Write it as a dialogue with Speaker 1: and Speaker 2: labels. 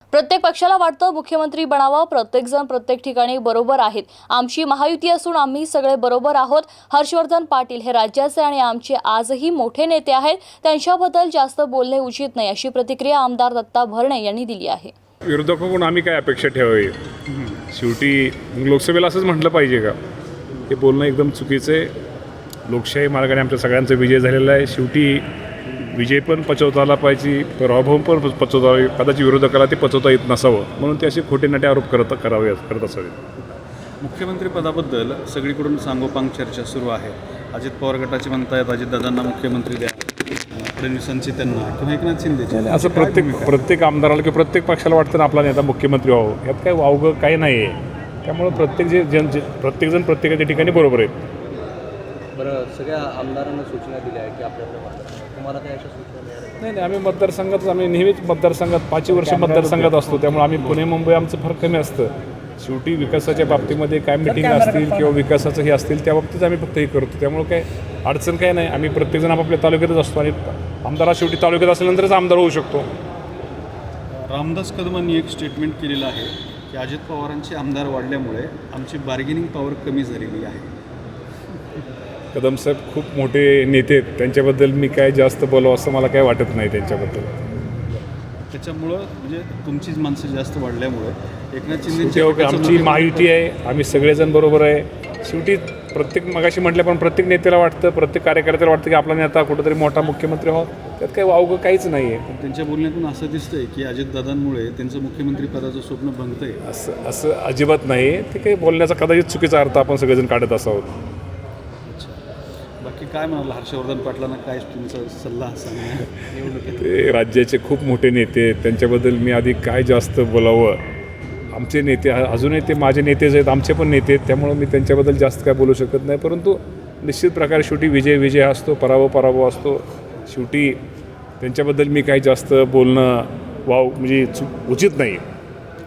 Speaker 1: प्रत्येक पक्षाला वाटतं मुख्यमंत्री बनावं, प्रत्येकजण प्रत्येक ठिकाणी बरोबर आहेत. आमची महायुती असून आम्ही सगळे बरोबर आहोत. हर्षवर्धन पाटील हे राज्याचे आणि आमचे आजही मोठे नेते आहेत. त्यांच्याबद्दल जास्त बोलणे उचित नाही, अशी प्रतिक्रिया आमदार दत्ता भरणे यांनी दिली आहे.
Speaker 2: विरोधकांकडून आम्ही काय अपेक्षा ठेवावी? शेवटी लोकसभेला असंच म्हटलं पाहिजे का? हे बोलणं एकदम चुकीचं आहे. लोकशाही मार्गाने आमच्या सगळ्यांचा विजय झालेला आहे. शेवटी विजय पण पचवता आला पाहिजे, पराभव पण पचवता. कदाचित विरोधकाला ते पचवता येत नसावं म्हणून ते असे खोटे नाटे आरोप करत असावेत.
Speaker 3: मुख्यमंत्रीपदाबद्दल सगळीकडून सांगोपांग चर्चा सुरू आहे. अजित पवार गटाचे म्हणतायत अजितदादांना मुख्यमंत्री द्या, फडणवीसांची त्यांना किंवा एकनाथ शिंदेचे.
Speaker 2: असं प्रत्येक आमदाराला किंवा प्रत्येक पक्षाला वाटतं ना आपला नेता मुख्यमंत्री व्हावं. यात काय वावगं काही नाही आहे. त्यामुळं प्रत्येकजण प्रत्येकाच्या ठिकाणी बरोबर आहेत.
Speaker 4: बरं, सगळ्या आमदारांना सूचना दिल्या आहे की आपल्याला तुम्हाला काय अशा सूचना मिळाल्या?
Speaker 2: नाही, आम्ही नेहमीच मतदारसंघात 5 वर्ष मतदारसंघात असतो. त्यामुळे आम्ही पुणे मुंबई आमचं फार कमी असतं. शेवटी विकासाच्या बाबतीमध्ये काय मिटिंग असतील किंवा विकासाचं हे असतील त्या बाबतीत आम्ही फक्त हे करतो. त्यामुळे काय अडचण काय नाही. आम्ही प्रत्येकजण आपापल्या तालुक्यातच असतो आणि आमदार शेवटी तालुक्यात असल्यानंतरच आमदार होऊ शकतो.
Speaker 3: रामदास कदमांनी एक स्टेटमेंट केलेलं आहे की अजित पवारांचे आमदार वाढल्यामुळे आमची बार्गेनिंग पॉवर कमी झालेली आहे.
Speaker 2: कदम साहेब खूप मोठे नेते आहेत. त्यांच्याबद्दल मी काय जास्त बोलावं असं मला काय वाटत नाही त्यांच्याबद्दल.
Speaker 3: त्याच्यामुळं म्हणजे तुमचीच माणसं जास्त वाढल्यामुळे एकनाथ
Speaker 2: शेवटी
Speaker 3: शिंदे
Speaker 2: आमची महायुती आहे, आम्ही सगळेजण बरोबर आहे. शेवटी मगाशी म्हटलं पण प्रत्येक नेत्याला वाटतं, प्रत्येक कार्यकर्त्याला वाटतं की आपला नेता कुठंतरी मोठा मुख्यमंत्री व्हावा. त्यात काही वावगं काहीच नाही आहे.
Speaker 3: त्यांच्या बोलण्यातून असं दिसतंय की अजितदादांमुळे त्यांचं मुख्यमंत्रीपदाचं स्वप्न भंगतंय.
Speaker 2: असं अजिबात नाही. ते काही बोलण्याचा कदाचित चुकीचा अर्थ आपण सगळेजण काढत असावं.
Speaker 3: बाकी काय म्हणाल हर्षवर्धन पाटलांना काय तुमचा सल्ला सांगणार निवडणुकीत?
Speaker 2: ते राज्याचे खूप मोठे नेते आहेत. त्यांच्याबद्दल मी आधी काय जास्त बोलावं. आमचे नेते अजूनही ते माझे नेतेच आहेत, आमचे पण नेते आहेत. त्यामुळं मी त्यांच्याबद्दल जास्त काय बोलू शकत नाही. परंतु निश्चित प्रकारे शेवटी विजय असतो, पराभव असतो. शेवटी त्यांच्याबद्दल मी काही जास्त बोलणं म्हणजे उचित नाही.